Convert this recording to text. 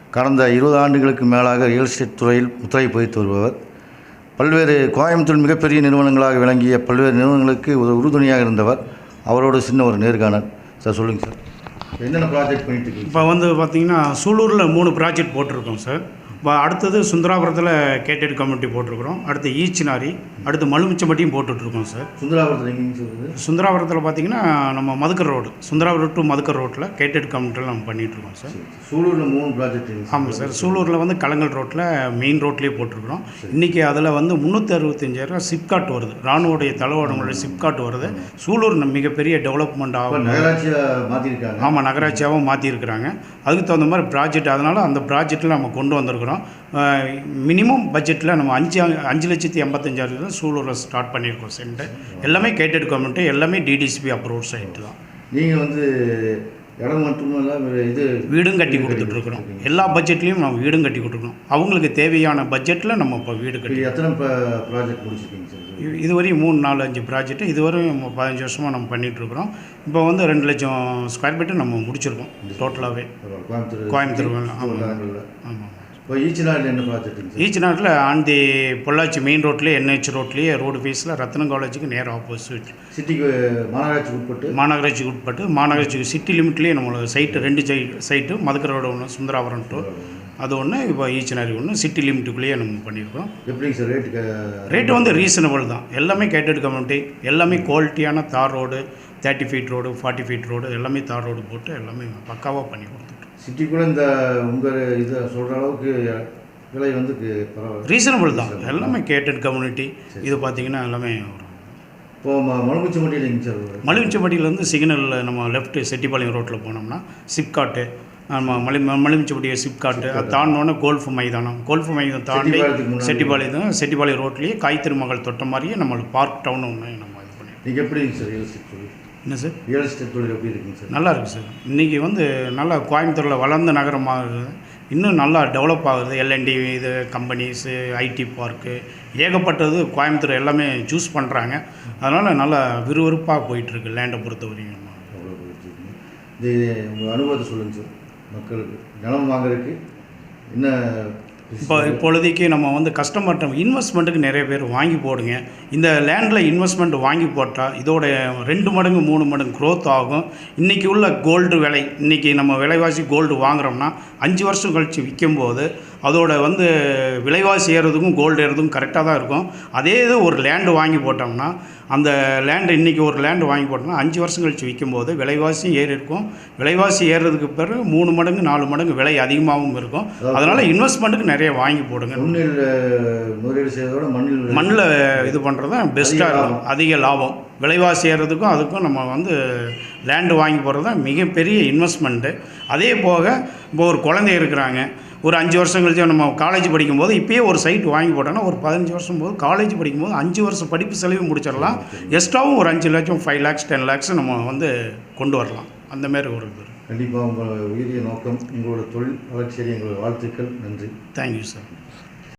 கடந்த 20 ஆண்டுகளுக்கு மேலாக ரியல் எஸ்டேட் துறையில் முத்திரை பதித்து வருபவர். பல்வேறு கோயம்புத்தூர் மிகப்பெரிய நிறுவனங்களாக விளங்கிய பல்வேறு நிறுவனங்களுக்கு உறுதுணையாக இருந்தவர். அவரோட சின்ன ஒரு நேர்காணல். சார் சொல்லுங்கள் சார், என்னென்ன ப்ராஜெக்ட் பண்ணிட்டு இருக்கீங்க? இப்போ பார்த்திங்கன்னா சூலூரில் 3 ப்ராஜெக்ட் போட்டிருக்கோம் சார். அடுத்தது சுந்தராபுரத்தில் கேட்டட் கம்யூனிட்டி போட்டிருக்கிறோம். அடுத்து ஈச்சினாரி, அடுத்து மலுமிச்சம்பட்டியும் போட்டுட்ருக்கோம் சார். சுந்தராபுரத்தில் எங்கேயும் சொல்லுது? சுந்தராபுரத்தில் பார்த்திங்கன்னா நம்ம மதுக்கர் ரோடு, சுந்தராபுரம் டு மதுக்கர் ரோட்டில் கேட்டட் கம்யூனிட்டியில் நம்ம பண்ணிகிட்ருக்கோம் சார். சூலூரில் 3 ப்ராஜெக்ட்? ஆமாம் சார். சூலூரில் கலங்கல் ரோட்டில் மெயின் ரோட்லேயே போட்டிருக்கிறோம். இன்றைக்கி அதில் 365,000 சிப்காட் வருது, ராணுவோடைய தலைவர்களுடைய சிப்காட் வருது. சூலூர் மிகப்பெரிய டெவலப்மெண்ட் ஆகும், நகராட்சியாக மாற்றிருக்காங்க. ஆமாம், நகராட்சியாகவும் மாற்றிருக்கிறாங்க. அதுக்கு தகுந்த மாதிரி ப்ராஜெக்ட், அதனால் அந்த ப்ராஜெக்டில் நம்ம கொண்டு வந்திருக்கிறோம். மினிமம் பட்ஜெட்டில் நம்ம 5,85,000 சூலூரில் ஸ்டார்ட் பண்ணியிருக்கோம். சென்ட் எல்லாமே கேட்டட் கம்யூனிட்டி, எல்லாமே டிடிசிபி அப்ரூவ் சைட்டு தான். நீங்கள் இடம் மட்டுமல்ல வீடும் கட்டி கொடுத்துட்ருக்குறோம். எல்லா பட்ஜெட்லேயும் நம்ம வீடும் கட்டி கொடுத்துருக்கோம். அவங்களுக்கு தேவையான பட்ஜெட்டில் நம்ம இப்போ வீடு கட்டி. எத்தனை ப்ராஜெக்ட் முடிச்சிருக்கீங்க சார்? இதுவரையும் 3, 4, 5 ப்ராஜெக்ட்டு இதுவரையும் 15 வருஷமாக நம்ம பண்ணிகிட்ருக்குறோம். இப்போ 2 லட்சம் ஸ்கொயர் ஃபீட்டு நம்ம முடிச்சிருக்கோம் டோட்டலாகவே கோயம்புத்தூர். ஆமாம். இப்போ ஈச்சினாடில் என்ன ப்ராஜெக்ட்? ஈச்சினாடில் ஆண்டி பொள்ளாச்சி மெயின் ரோட்லேயே NH ரோட்லேயே ரோடு ஃபேஸில் ரத்னம் காலேஜுக்கு நேர் ஆப்போசிட். சிட்டிக்கு மாநகராட்சிக்கு உட்பட்டு மாநகராட்சிக்கு சிட்டி லிமிட்லேயே நம்மளோட சைட்டு 2 சைட்டு மதுக்கர் ரோடு ஒன்று, சுந்தராபுரம் டூ அது ஒன்று, இப்போ ஈச்சினாரி ஒன்று, சிட்டி லிமிட்டுக்குள்ளேயே நம்ம பண்ணியிருக்கோம். எப்படிங்க சார் ரேட்டு ரீசனபிள் தான். எல்லாமே கேட்டட் கம்யூனிட்டி, எல்லாமே குவாலிட்டியான தார் road, 30 feet road, 40 feet road, எல்லாமே தார் ரோடு போட்டு எல்லாமே பக்காவாக பண்ணி கொடுத்துட்டோம். சிட்டிக்குள்ளே இந்த உங்கள் இதை சொல்கிற அளவுக்கு விலை ரீசனபிள் தான். எல்லாமே கேட்டட் கம்யூனிட்டி. இது பார்த்திங்கன்னா எல்லாமே இப்போது மலுமிச்சம்பட்டியில் எங்கே சார்? மலுமிச்சம்பட்டியிலேருந்து சிக்னலில் நம்ம லெஃப்ட்டு செட்டிப்பாளையம் ரோட்டில் போனோம்னா சிப்காட்டு, நம்ம மலுமிச்சம்பட்டியை சிப்காட்டு, அது தாண்டினோன்னே கோல்ஃப் மைதானம் தாண்டி செட்டிப்பாளையம் ரோட்லேயே காய்த்திருமகள் தொட்ட மாதிரியே நம்மளுக்கு பார்க் டவுன் ஒன்று நம்ம இது பண்ணி. நீங்கள் எப்படிங்க சார் ரியல் எஸ்டேட் தொழில்? என்ன சார் ரியல் எஸ்டேட் தொழில் எப்படி இருக்குங்க சார்? நல்லா இருக்குது சார். இன்றைக்கி நல்லா கோயம்புத்தூரில் வளர்ந்த நகரமாக இன்னும் நல்லா டெவலப் ஆகுது. LND இது கம்பெனிஸு, IT பார்க்கு ஏகப்பட்டது கோயம்புத்தூர் எல்லாமே சூஸ் பண்ணுறாங்க. அதனால் நல்லா விறுவிறுப்பாக போயிட்டுருக்கு லேண்டை பொறுத்த வரைக்கும். இது உங்கள் அனுபவத்தை சொல்லுங்கள் சார். மக்களுக்கு நிலம் வாங்குறதுக்கு என்ன இப்பொழுதைக்கு நம்ம கஸ்டமர்கிட்ட இன்வெஸ்ட்மெண்ட்டுக்கு நிறைய பேர் வாங்கி போடுங்க. இந்த லேண்டில் இன்வெஸ்ட்மெண்ட் வாங்கி போட்டால் இதோட 2 மடங்கு 3 மடங்கு க்ரோத் ஆகும். இன்றைக்கி உள்ள கோல்டு விலை, இன்றைக்கி நம்ம விலைவாசி கோல்டு வாங்குகிறோம்னா 5 வருஷம் கழித்து விற்கும்போது அதோட விலைவாசி ஏறுறதுக்கும் கோல்டு ஏறுறதுக்கும் கரெக்டாக தான் இருக்கும். அதே இது ஒரு லேண்டு வாங்கி போட்டோம்னா, அந்த லேண்டு இன்றைக்கி ஒரு லேண்டு வாங்கி போட்டோம்னா 5 வருஷம் கழித்து விற்கும்போது விலைவாசி ஏறி இருக்கும். விலைவாசி ஏறுறதுக்கு பிறகு 3 மடங்கு 4 மடங்கு விலை அதிகமாகவும் இருக்கும். அதனால் இன்வெஸ்ட்மெண்ட்டுக்கு நிறைய வாங்கி போடுங்க. முதலீடு செய்வதோட மண்ணில் இது பண்ணுறது தான் பெஸ்ட்டாக இருக்கும். அதிக லாபம். விலைவாசி ஏறுறதுக்கும் அதுக்கும் நம்ம லேண்டு வாங்கி போகிறது தான் மிகப்பெரிய இன்வெஸ்ட்மெண்ட்டு. அதே போக இப்போ ஒரு குழந்தை இருக்கிறாங்க, ஒரு 5 வருஷம் கழிச்சு நம்ம காலேஜ் படிக்கும்போது இப்போயே ஒரு சைட் வாங்கி போட்டோன்னா ஒரு 15 வருஷம் போது காலேஜ் படிக்கும்போது 5 வருஷம் படிப்பு செலவு முடிச்சிடலாம். எக்ஸ்ட்ராவும் ஒரு 5 லட்சம், 5 lakhs 10 lakhs நம்ம கொண்டு வரலாம். அந்தமாரி ஒரு இது. கண்டிப்பாக உங்கள் உயரிய நோக்கம், உங்களோட தொழில் வளர்ச்சியை எங்களோட வாழ்த்துக்கள். நன்றி. Thank you sir.